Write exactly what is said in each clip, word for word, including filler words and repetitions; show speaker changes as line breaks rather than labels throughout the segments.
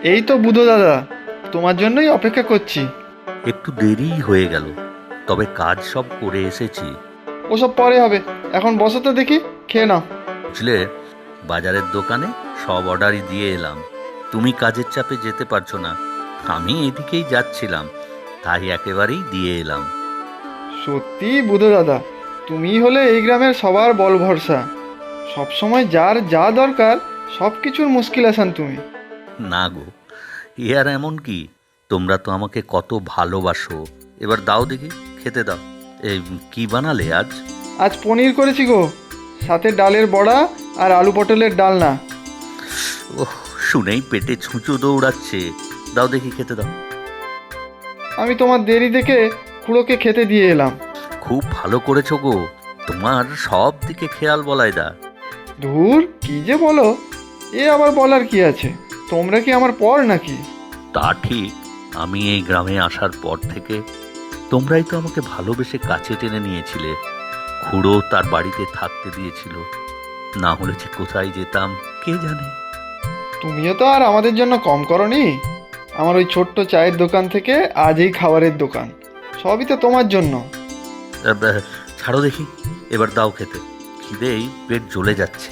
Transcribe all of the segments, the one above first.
এই তো বুধো দাদা, তোমার জন্যই অপেক্ষা করছি।
একটু দেরি হয়ে গেল, তবে কাজ সব করে এসেছি।
ওসব পরে হবে, এখন বসো তো দেখি, খেয়ে নাও।
বুঝলে, বাজারের দোকানে সব অর্ডারই দিয়ে এলাম। তুমি কাজের চাপে যেতে পারছো না, আমি এদিকেই যাচ্ছিলাম, তাই একেবারেই দিয়ে এলাম।
সত্যি বুধো দাদা, তুমিই হলে এই গ্রামের সবার বল ভরসা। সবসময় যার যা দরকার সব কিছুর মুশকিল আসান তুমি।
না গো, এ আর এমন কি, তোমরা তো আমাকে কত ভালোবাসো। এবার দাও দেখি, খেতে দাও। এই কি বানালে আজ?
আজ পনির করেছি গো, সাথে ডালের বড়া আর আলু পটলের ডালনা।
ওহ, শুনেই পেটে ছুঁচো দৌড়াচ্ছে। দাও দেখি, খেতে দাও।
আমি তোমার দেরি দেখে খুড়োকে খেতে দিয়ে এলাম।
খুব ভালো করেছো গো, তোমার সব দিকে খেয়াল বলাইদা।
ধুর, কি যে বলো, এ আবার বলার কি আছে? তোমরা কি আমার পর নাকি?
তা ঠিক, আমি এই গ্রামে আসার পর থেকে তোমরাই তো আমাকে ভালোবেসে কাছে টেনে নিয়েছিলে। খুড়ো তার বাড়িতে থাকতে দিয়েছিল, না হলে যে কোথায় যেতাম কে জানে।
তুমিও তো আর আমাদের জন্য কম করনি। আমার ওই ছোট্ট চায়ের দোকান থেকে আজ এই খাবারের দোকান, সবই তো তোমার জন্য।
আহ, আহ, ছাড়ো দেখি, এবার দাও খেতে, খিদেই পেট জ্বলে যাচ্ছে।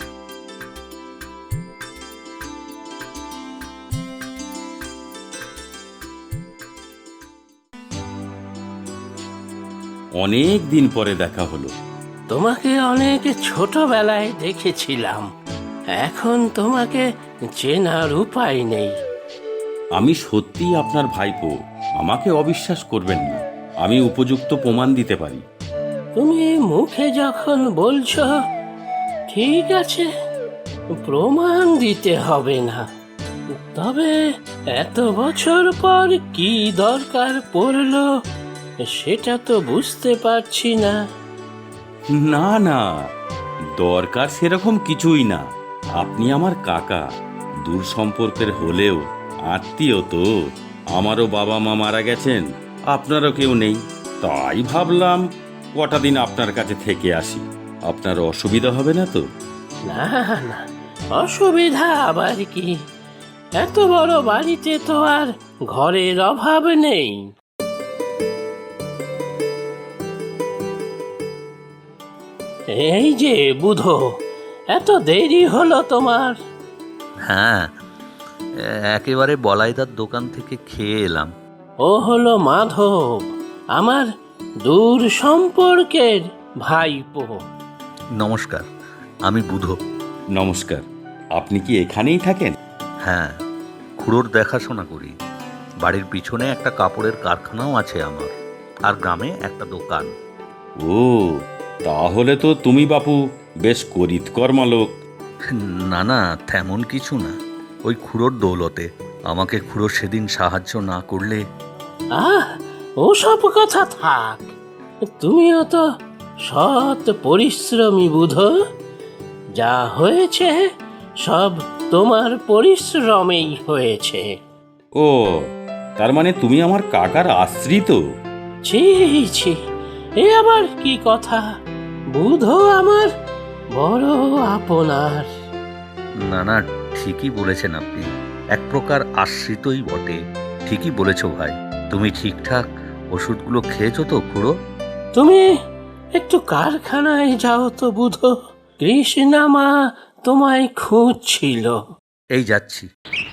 অনেক দিন পরে দেখা হলো।
তোমাকে অনেক ছোটবেলায় দেখেছিলাম, এখন তোমাকে চেনার উপায় নেই।
আমি সত্যিই আপনার ভাইপো, আমাকে অবিশ্বাস করবেন না, আমি উপযুক্ত প্রমাণ দিতে পারি।
তুমি মুখে যখন বলছো, ঠিক আছে, প্রমাণ দিতে হবে না। তবে এত বছর পর কি দরকার পড়লো সেটা তো বুঝতে পারছি না।
না না, দরকার সেরকম কিছুই না। আপনি আমার কাকা, দূর সম্পর্কের হলেও আত্মীয় তো। আমারও বাবা মা মারা গেছেন, আপনারও কেউ নেই, তাই ভাবলাম কটা দিন আপনার কাছে থেকে আসি। আপনার অসুবিধা হবে না তো?
না না, অসুবিধা আবার কি? এত বড় বাড়িতে তো আর ঘরের অভাব নেই। এই যে বুধো, এত দেরি হলো তোমার?
হ্যাঁ, একেবারে বলাইদার দোকান থেকে খেয়ে এলাম।
ও হলো মাধব, আমার দূর সম্পর্কের ভাইপো।
নমস্কার, আমি বুধো।
নমস্কার। আপনি কি এখানেই থাকেন?
হ্যাঁ, খুড়োর দেখাশোনা করি। বাড়ির পিছনে একটা কাপড়ের কারখানাও আছে আমার, আর গ্রামে একটা দোকান।
ও, তাহলে তো তুমি বাপু বেশ করিতকর্মা লোক।
না না, তেমন কিছু না, ওই খুড়োর দৌলতে। আমাকে খুড়ো সেদিন সাহায্য না করলে।
আহ, ওসব কথা থাক। তুমিও তো সৎ পরিশ্রমী বুধো, যা হয়েছে সব তোমার পরিশ্রমেই হয়েছে।
ও, তার মানে তুমি আমার কাকার আশ্রিত?
ছি ছি, এ আবার কি কথা? বুধো আমার বড় আপনার।
না না, ঠিকই বলেছেন আপনি, এক প্রকার আশ্রিতই বটে। ঠিকই বলেছো ভাই। তুমি ঠিকঠাক ওষুধগুলো খেয়েছো তো খুড়ো?
তুমি একটু কারখানায় যাও তো বুধো, কৃষ্ণা মা তোমায় খুঁজছিল।
এই যাচ্ছি।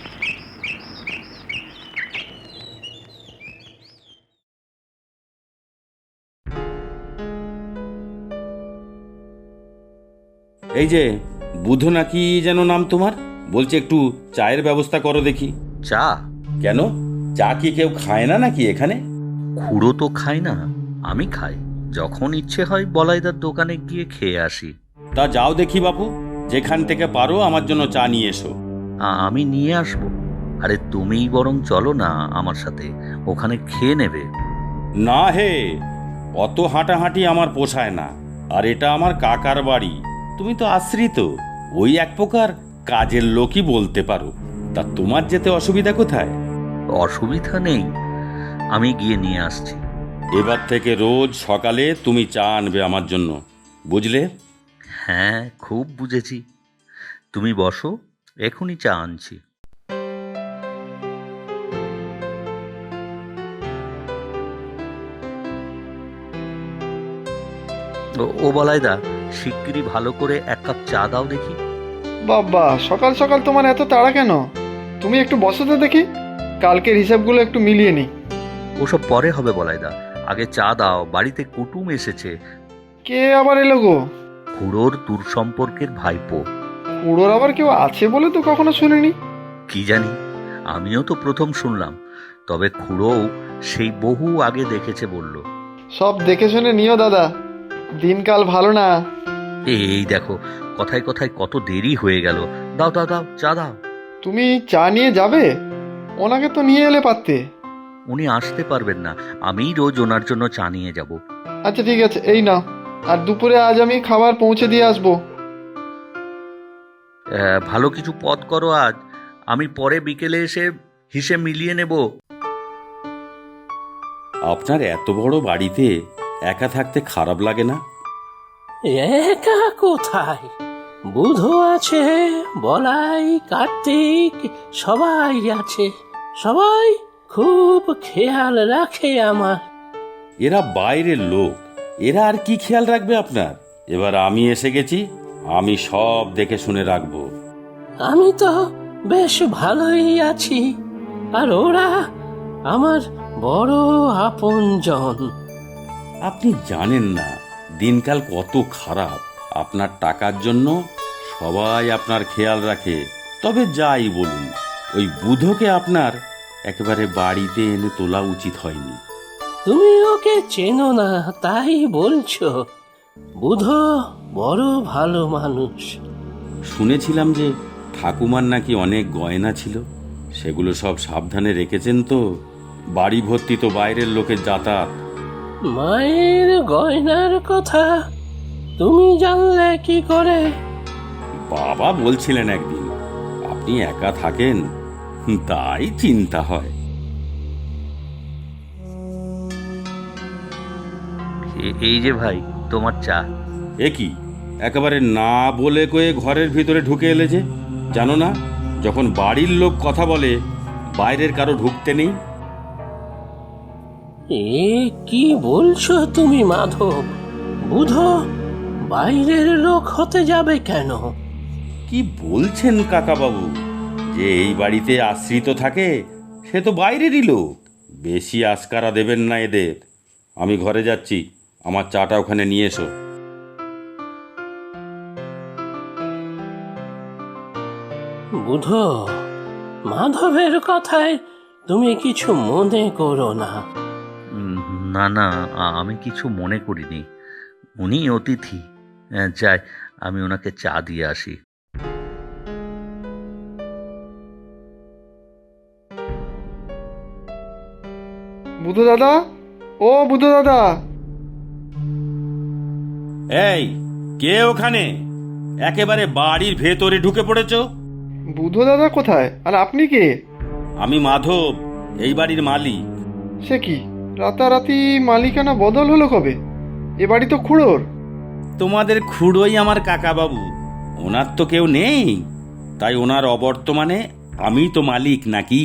এই যে, বুধ নাকি যেন নাম তোমার, বলছে একটু চায়ের ব্যবস্থা করো দেখি।
চা?
কেন, চা কি কেউ খায় না নাকি এখানে?
খুড়ো তো খায় না, আমি খাই। যখন ইচ্ছে হয় বলাইদার দোকানে গিয়ে খেয়ে আসি।
তা যাও দেখি বাপু, যেখান থেকে পারো আমার জন্য চা নিয়ে এসো।
আ- আমি নিয়ে আসবো। আরে তুমিই বরং চলো না আমার সাথে, ওখানে খেয়ে নেবে।
না হে, অত হাঁটাহাঁটি আমার পোষায় না। আর এটা আমার কাকার বাড়ি, তুমি তো আশ্রিত, ওই এক প্রকার কাজের লোকই বলতে পারো। তা তোমার যেতে অসুবিধা কোথায়?
অসুবিধা নেই, আমি গিয়ে নিয়ে আসছি।
এবার থেকে রোজ সকালে তুমি চা আনবে আমার জন্য, বুঝলে?
হ্যাঁ, খুব বুঝেছি। তুমি বসো, এখনই চা আনছি। ও- ও বলাইদা, শিগগিরই ভালো করে এক কাপ চা দাও দেখি।
বাবা, সকাল সকাল তোমার এত তাড়া কেন? তুমি একটু বসো তো দেখি, কালকের হিসাবগুলো একটু মিলিয়ে নিই।
ওসব পরে হবে বলাইদা, আগে চা দাও, বাড়িতে কুটুম এসেছে।
কে আবার এলো গো?
খুড়োর দূর সম্পর্কের ভাইপো।
কুড়োর আবার কেউ আছে বলে তো কখনো শুনিনি।
কি জানি, আমিও তো প্রথম শুনলাম, তবে খুড়োও সেই বহু আগে দেখেছে বলল।
সব দেখে শুনে নিও দাদা, দিনকাল ভালো না।
এই দেখো, কথায় কথায় কত দেরি হয়ে গেল। দাও দাও দাও, চা দাও।
তুমি চা নিয়ে যাবে? ওনাকে তো নিয়ে এলে পারতে।
উনি আসতে পারবেন না, আমিই রোজ ওনার জন্য চা নিয়ে যাব।
আচ্ছা ঠিক আছে, এই নাও। আর দুপুরে আজ আমি খাবার পৌঁছে দিয়ে আসবো।
আহ, ভালো কিছু পদ করো আজ, আমি পরে বিকেলে এসে হিসেব মিলিয়ে নেব।
আপনার এত বড় বাড়িতে একা থাকতে খারাপ লাগে না?
একা কোথায়, বুধ আছে, বলাই, কার্তিক, সবাই আছে। সবাই খুব খেয়াল রাখে আমার।
এরা বাইরের লোক, এরা আর কি খেয়াল রাখবে আপনার? এবার আমি এসে গেছি, আমি সব দেখে শুনে রাখবো।
আমি তো বেশ ভালোই আছি, আর ওরা আমার বড় আপনজন।
আপনি জানেন না দিনকাল কত খারাপ। আপনার টাকার জন্য সবাই আপনার খেয়াল রাখে। তবে যাই বলুন, ওই বুধকে আপনার একেবারে বাড়িতে এনে তোলা উচিত হয়নি।
তুমি ওকে চেনো না তাই বলছো? বুধ বড় ভালো মানুষ।
শুনেছিলাম যে ঠাকুমার নাকি অনেক গয়না ছিল, সেগুলো সব সাবধানে রেখেছেন তো? বাড়ি ভর্তি তো বাইরের লোকের যাতায়াত।
মায়ের গয়নার কথা তুমি জানলে কি করে?
বাবা বলছিলেন একদিন, আপনি একা থাকেন, তাই চিন্তা হয়।
এ- এই যে ভাই, তোমার চা।
এ কি, একেবারে না বলে কয়ে ঘরের ভিতরে ঢুকে এলে যে? জানো না, যখন বাড়ির লোক কথা বলে বাইরের কারো ঢুকতে নেই?
এ কি বলছো তুমি মাধব? বুধ বাইরের লোক হতে যাবে কেন?
কি বলছেন কাকাবাবু? যে এই বাড়িতে আশ্রিত থাকে সে তো বাইরেরই লোক। বেশি আস্কারা দেবেন না এদের। আমি ঘরে যাচ্ছি, আমার চাটা ওখানে নিয়ে এসো।
বুধ, মাধবের কথায় তুমি কিছু মনে করো না।
উম, না না, আ- আমি কিছু মনে করিনি। উনি অতিথি। আহ, যাই, আমি ওনাকে চা দিয়ে আসি।
বুধু দাদা, ও বুধু দাদা।
এই, কে ওখানে? একেবারে বাড়ির ভেতরে ঢুকে পড়েছো?
বুধু দাদা কোথায়, আর আপনি কে?
আমি মাধব, এই বাড়ির মালিক।
সে কি, রাতারাতি মালিকানা বদল হলো কবে? এ বাড়ি তো খুড়োর।
তোমাদের খুড়োই আমার কাকাবাবু। ওনার তো কেউ নেই, তাই ওনার অবর্তমানে আমি তো মালিক নাকি?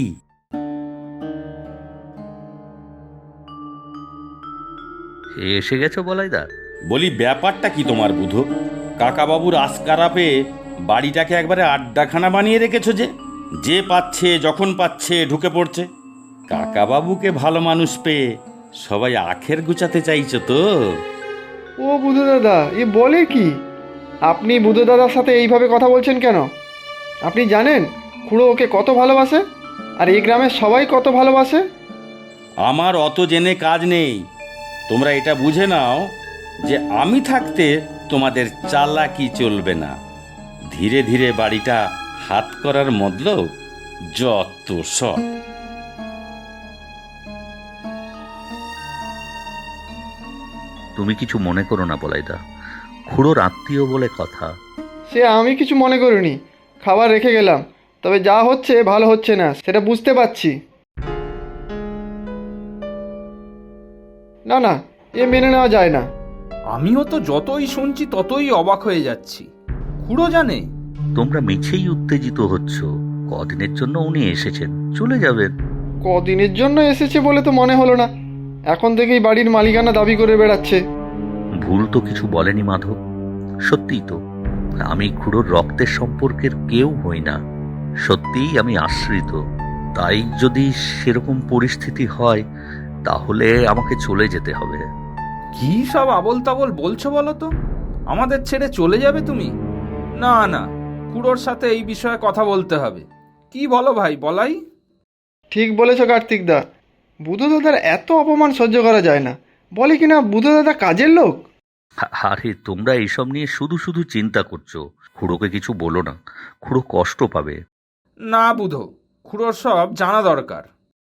এসে গেছো বলাইদা?
বলি, ব্যাপারটা কি তোমার বুধ? কাকাবাবুর আস্কারা পেয়ে বাড়িটাকে একবারে আড্ডাখানা বানিয়ে রেখেছো যে? যে পাচ্ছে যখন পাচ্ছে ঢুকে পড়ছে। কাকাবাবুকে ভালো মানুষ পেয়ে সবাই আখের গুচাতে চাইছো তো?
ও বুধু দাদা, এ বলে কি? আপনি বুধু দাদার সাথে এইভাবে কথা বলছেন কেন? আপনি জানেন খুড়ো ওকে কত ভালোবাসে, আর এই গ্রামের সবাই কত ভালোবাসে।
আমার অত জেনে কাজ নেই। তোমরা এটা বুঝে নাও যে আমি থাকতে তোমাদের চালাকি চলবে না। ধীরে ধীরে বাড়িটা হাত করার মতলব যত সব।
তুমি কিছু মনে করো না বলাইদা, খুড়োর আত্মীয় বলে কথা।
সে আমি কিছু মনে করিনি, খাবার রেখে গেলাম। তবে যা হচ্ছে ভালো হচ্ছে না, সেটা বুঝতে পারছি। না না, এ মেনে নেওয়া যায় না।
আমিও তো যতই শুনছি ততই অবাক হয়ে যাচ্ছি। খুড়ো জানে?
তোমরা মিছেই উত্তেজিত হচ্ছ। কদিনের জন্য উনি এসেছেন, চলে যাবেন।
কদিনের জন্য এসেছে বলে তো মনে হলো না। এখন থেকেই বাড়ির মালিকানা দাবি করে বেড়াচ্ছে।
ভুল তো কিছু বলেনি মাধব। সত্যিই তো, আমি খুড়োর রক্তের সম্পর্কের কেউ হই না। সত্যিই আমি আশ্রিত। তাই যদি সেরকম পরিস্থিতি হয় তাহলে আমাকে চলে যেতে হবে।
কি সব আবল তাবল বলছো বলো তো? আমাদের ছেড়ে চলে যাবে তুমি? না না, খুড়োর সাথে এই বিষয়ে কথা বলতে হবে। কি বলো ভাই বলাই?
ঠিক বলেছ কার্তিকদা, বুধু দাদার এত অপমান সহ্য করা যায় না। বলে কিনা বুধু দাদা কাজের লোক।
আ- আরে তোমরা এইসব নিয়ে শুধু শুধু চিন্তা করছো। খুড়োকে কিছু বলো না, খুড়ো কষ্ট পাবে।
না বুধো, খুড়োর সব জানা দরকার।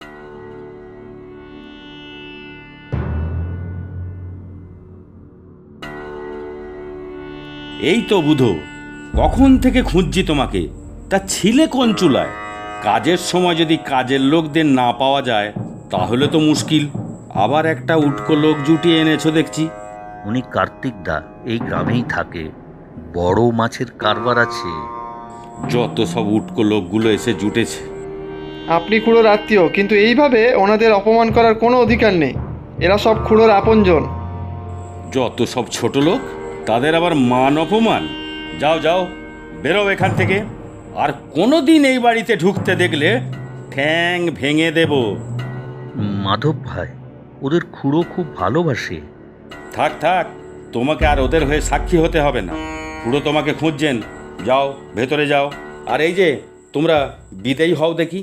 এই তো বুধো, কখন থেকে খুঁজছি তোমাকে। তা ছিলে কোন চুলায়? কাজের সময় যদি কাজের লোকদের না পাওয়া যায় তাহলে তো মুশকিল। আবার একটা উটকো লোক জুটিয়ে এনেছো দেখছি।
উনি কার্তিক দা, এই গ্রামেই থাকে, বড় মাছের কারবার আছে।
যত সব উটকো লোকগুলো এসে জুটেছে।
আপনি খুড়োর আত্মীয়, কিন্তু এইভাবে ওনাদের অপমান করার কোনো অধিকার নেই। এরা সব খুড়োর আপনজন।
যত সব ছোট লোক, তাদের আবার মান অপমান। যাও যাও, বেরো এখান থেকে। আর কোনোদিন এই বাড়িতে ঢুকতে দেখলে ঠ্যাং ভেঙে দেব।
মাধব ভাই, ওদের খুড়ো খুব ভালোবাসে।
থাক থাক, তোমাকে আর ওদের হয়ে সাক্ষী হতে হবে না। পুরো তোমাকে খুঁজছেন। যাও ভেতরে যাও। আর এই যে তোমরা বিদেয়ী হও দেখি।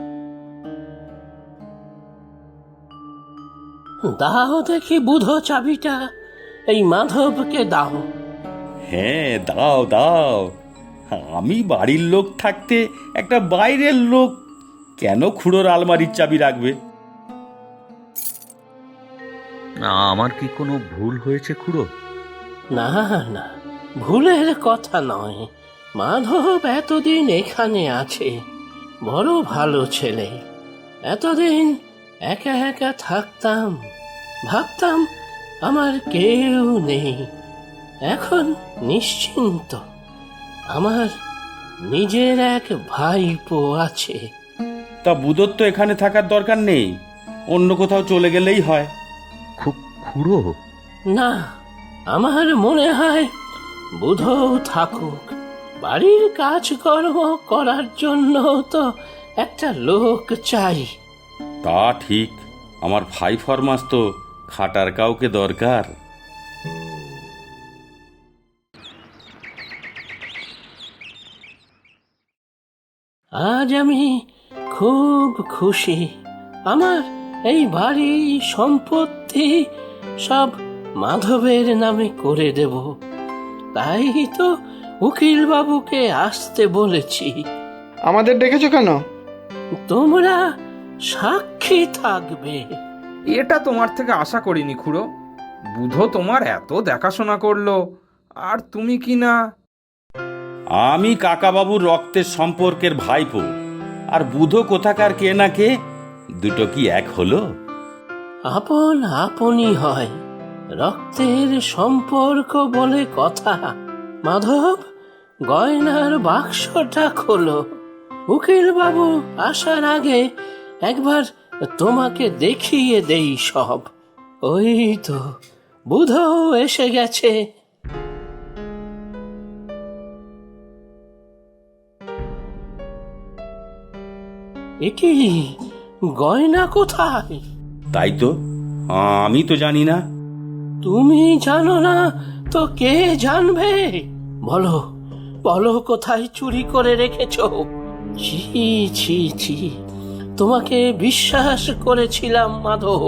দাও দেখি বুধো চাবিটা, এই মাধবকে দাও।
হ্যাঁ দাও দাও। আমি বাড়ির লোক থাকতে একটা বাইরের লোক কেন খুড়োর আলমারির চাবি রাখবে?
আমার কি কোনো ভুল হয়েছে খুড়ো?
না না, ভুলের কথা নয়। মাধব এতদিন এখানে আছে, বড় ভালো ছেলে। এতদিন একা একা থাকতাম, ভাবতাম আমার কেউ নেই। এখন নিশ্চিন্ত, আমার নিজের এক ভাইপো আছে।
তা বুধোর তো এখানে থাকার দরকার নেই, অন্য কোথাও চলে গেলেই হয়।
খুব খুড়ো?
না, আমার মনে হয় বুধও থাকুক। বাড়ির কাজকর্ম করার জন্য তো একটা লোক চাই।
তা ঠিক, আমার ভাই ফরমাস তো খাটার কাউকে দরকার।
আজ আমি খুব খুশি। আমার এই বাড়ি সম্পত্তি সব মাধবের নামে করে দেব। তাই তো উকিল বাবুকে আসতে বলেছি।
আমাদের ডেকেছো কেন?
তোমরা সাক্ষী থাকবে।
এটা তোমার থেকে আশা করিনি খুড়ো। বুধো তোমার এত দেখাশোনা করলো, আর তুমি কি না?
আমি কাকাবাবুর রক্তের সম্পর্কের ভাইপো, আর বুধো কোথাকার কে না কে, দুটো কি এক হলো?
আপন আপনই হয়, রক্তের সম্পর্ক বলে কথা। মাধব, গয়নার বাক্সটা খোলো। উকিল বাবু আসার আগে একবার তোমাকে দেখিয়ে দেই সব। ওই তো বুধও এসে গেছে। একি গয়না কোথায়?
তাই তো, আমি তো জানি না।
তুমি জানো না তো কে জানবে? বলো বলো, কোথায় চুরি করে রেখেছো? ছি ছি ছি, তোমাকে বিশ্বাস করেছিলাম মাধব।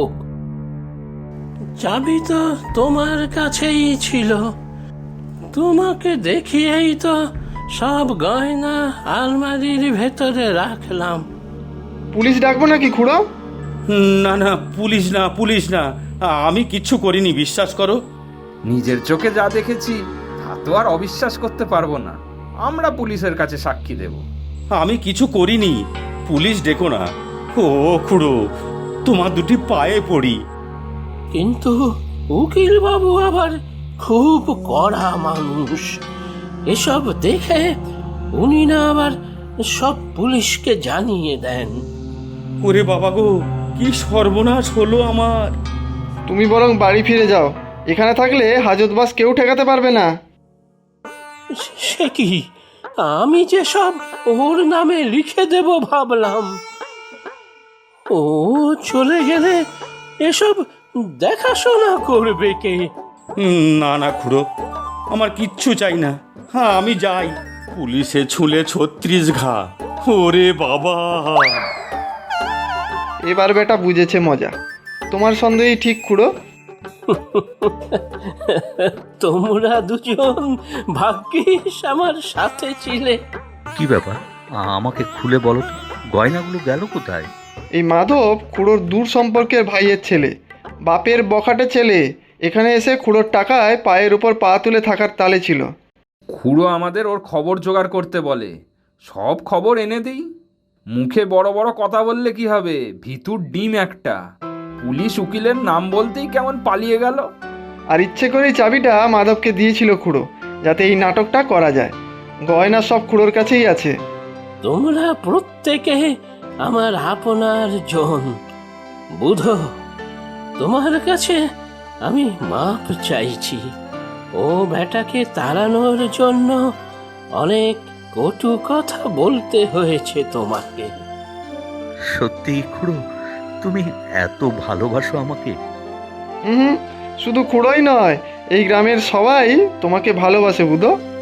চাবি তো তোমার কাছেই ছিল, তোমাকে দেখিয়েই তো সব গয়না আলমারির ভেতরে রাখলাম।
পুলিশ ডাকবো নাকি খুড়ো?
না না, পুলিশ না পুলিশ না, আমি কিচ্ছু করিনি, বিশ্বাস করো।
নিজের চোখে যা দেখেছি তা তো আর অবিশ্বাস করতে পারবো না। আমরা পুলিশের কাছে সাক্ষী দেব।
আমি কিছু করিনি, পুলিশ ডেকো না। ও খুড়ো, তোমার দুটি পায়ে পড়ি।
কিন্তু উকিল বাবু আবার খুব কড়া মানুষ। এসব দেখে উনি না আবার সব পুলিশকে জানিয়ে দেন।
ওরে বাবা গো, কি সর্বনাশ হলো আমার।
তুমি বরং বাড়ি ফিরে যাও, এখানে থাকলে হাজতবাস কেউ ঠেকাতে পারবে না।
সে কি, আমি যে সব ওর নামে লিখে দেব ভাবলাম। ও চলে গেলে এসব দেখাশোনা করবে কে?
উম, না না খুড়ো, আমার কিচ্ছু চাই না। হ্যাঁ আমি যাই। পুলিশে ছুলে ছত্রিশ ঘা। ওরে বাবা!
এবার বেটা বুঝেছে মজা। তোমার সন্দেহই ঠিক খুড়ো।
তোমরা দুজন ভাগ্যিস আমার সাথে ছিলে।
কি ব্যাপার, আ- আমাকে খুলে বলো তো, গয়নাগুলো গেল কোথায়?
এই মাধব খুড়োর দূর সম্পর্কের ভাইয়ের ছেলে, বাপের বখাটে ছেলে। এখানে এসে খুড়োর টাকায় পায়ের উপর পা তুলে থাকার তালে ছিল।
খুড়ো আমাদের ওর খবর জোগাড় করতে বলে, সব খবর এনে দিই। মুখে বড় বড় কথা বললে কি হবে, ভিতুর ডিম একটা। পুলিশ উকিলের নাম বলতেই কেমন পালিয়ে গেল।
আর ইচ্ছে করেই চাবিটা মাধবকে দিয়েছিল খুড়ো, যাতে এই নাটকটা করা যায়। গয়না সব খুড়োর কাছেই আছে।
তোমরা প্রত্যেকে আমার আপনার জন। বুধো, তোমার কাছে আমি মাপ চাইছি। ও বেটাকে তাড়ানোর জন্য অনেক কটু কথা বলতে হয়েছে তোমাকে।
সত্যি খুড়ো, তুমি এত ভালোবাসো আমাকে?
হুম, শুধু খুড়োই নয়, এই গ্রামের সবাই তোমাকে ভালোবাসে বুধো।